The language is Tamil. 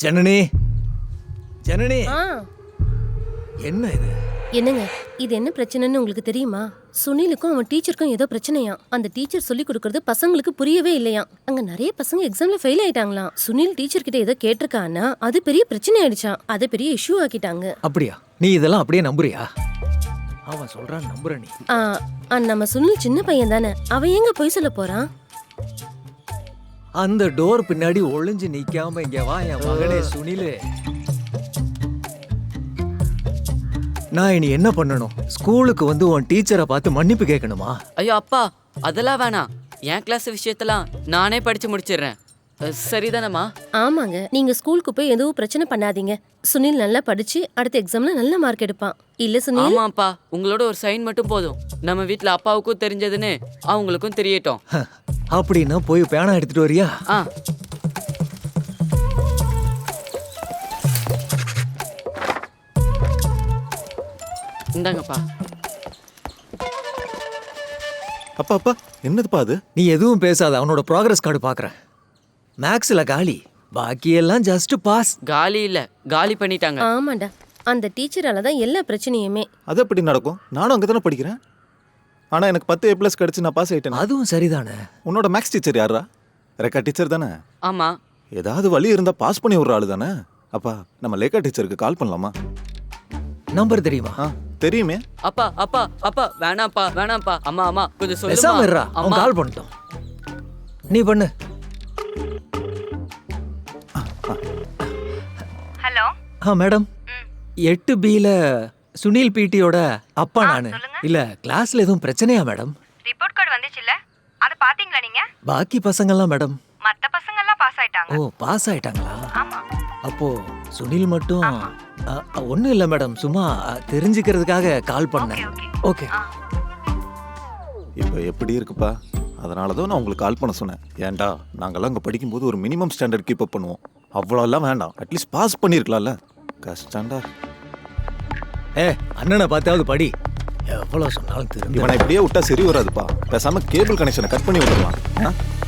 ஜனனி ஜனனி ஆ என்ன இது? என்னங்க, இது என்ன பிரச்சனைன்னு உங்களுக்கு தெரியுமா? சுனிலுக்கும் அவன் டீச்சருக்கும் ஏதோ பிரச்சனையா. அந்த டீச்சர் சொல்லி கொடுக்கறது பசங்களுக்கு புரியவே இல்லையா. அங்க நிறைய பசங்க எக்ஸாம்ல ஃபெயில் ஆயிட்டாங்களாம். சுனில் டீச்சர் கிட்ட ஏதோ கேட்டிருக்கானா, அது பெரிய பிரச்சனை ஆயிடுச்சாம். அதை பெரிய இஷ்யூ ஆக்கிட்டாங்க. அப்படியா? நீ இதெல்லாம் அப்படியே நம்புறியா? அவன் சொல்றான் நம்புற நீ? நம்ம சுனில் சின்ன பையன் தானே, அவன் எங்க போய் சொல்ல போறான்? அந்த டோர் பின்னாடி ஒளிஞ்சு நிக்காம இங்க வா என் மகனே சுனிலு. நான் இனி என்ன பண்ணணும்? ஸ்கூலுக்கு வந்து உன் டீச்சரை பார்த்து மன்னிப்பு கேட்கணுமா? ஐயோ அப்பா, அதெல்லாம் வேணாம். என் கிளாஸ் விஷயத்தெல்லாம் நானே படிச்சு முடிச்சிடுறேன். சரிதானம்மா? ஆமாங்க, நீங்க ஸ்கூலுக்கு போய் எதுவும் பிரச்சனை பண்ணாதீங்க. சுனில் நல்லா படிச்சு அடுத்த எக்ஸாம்ல நல்ல மார்க் எடுப்பான். இல்ல சுனில்? ஆமாப்பா, உங்களோட ஒரு சைன் மட்டும் போதும். நம்ம வீட்ல அப்பாவுக்கும் தெரிஞ்சதுன்னு அவங்களுக்கும் தெரியட்டும். அப்படின்னா போய் பேனா எடுத்துட்டு வரியா? ஆ இந்தாங்கப்பா. அப்பா அப்பா, என்னதுப்பா அது? நீ எதுவும் பேசாத, அவனோட ப்ராக்ரஸ் கார்டு பாக்குறேன். மேக்ஸ்ல காலி, பாக்கி எல்லாம் ஜஸ்ட் பாஸ். காலி இல்ல, காலி பண்ணிட்டாங்க. ஆமாண்டா, அந்த டீச்சரால தான் எல்லா பிரச்சனையுமே. அது எப்படி நடக்கும்? நானும் அங்கே தானே படிக்கிறேன். ஆனால் எனக்கு 10 A+ கிடச்சி நான் பாஸ் ஆகிட்டேன். அதுவும் சரிதானே. உன்னோட மேக்ஸ் டீச்சர் யாரா? ரெக்கா டீச்சர் தானே? ஆமா. ஏதாவது வழி இருந்தால் பாஸ் பண்ணி விட்ற ஆளு தானே? அப்பா, நம்ம லேக்கா டீச்சருக்கு கால் பண்ணலாமா? நம்பர் தெரியுமா? தெரியுமே. அப்பா அப்பா அப்பா, வேணாம்ப்பா வேணாம்ப்பா. அம்மா அம்மா கொஞ்சம் பேசாம இருடா, சொல்லுமா. அவன் அம்மா கால் பண்ணிட்டோம். நீ பண்ணு. ஹலோ மேடம், 8Bல சுனில் பிடியோட அப்பா நானு. இல்ல கிளாஸ்ல எதுவும் பிரச்சனையா மேடம்? ரிப்போர்ட் கார்டு வந்துச்சுல்ல, அதை பாத்தீங்களா நீங்க? பாக்கி பசங்கெல்லாம் மேடம். மத்த பசங்க எல்லாம் பாஸ் ஆயிட்டாங்க. ஓ, பாஸ் ஆயிட்டாங்களா? ஆமா. அப்போ சுனில் மட்டும் ஒன்றும் இல்லை மேடம், சும்மா தெரிஞ்சுக்கிறதுக்காக கால் பண்ணேன். ஓகே. இப்போ எப்படி இருக்குப்பா? அதனால தான் நான் உங்களுக்கு கால் பண்ண சொன்னேன். ஏன்டா, நாங்கள்லாம் அங்கே படிக்கும்போது ஒரு மினிமம் ஸ்டாண்டர்ட் கீப் அப் பண்ணுவோம். அவ்வளோலாம் வேண்டாம், அட்லீஸ்ட் பாஸ் பண்ணியிருக்கலாம்ல. கஷ்டம்டா. அண்ணனை பார்த்தாவது படி. எவ்வளோ சொன்னாலும் திரும்ப இவனை இப்படியே விட்டா சரி வராதுப்பா. பேசாமல் கேபிள் கனெக்ஷனை கட் பண்ணி விட்டுருவான்.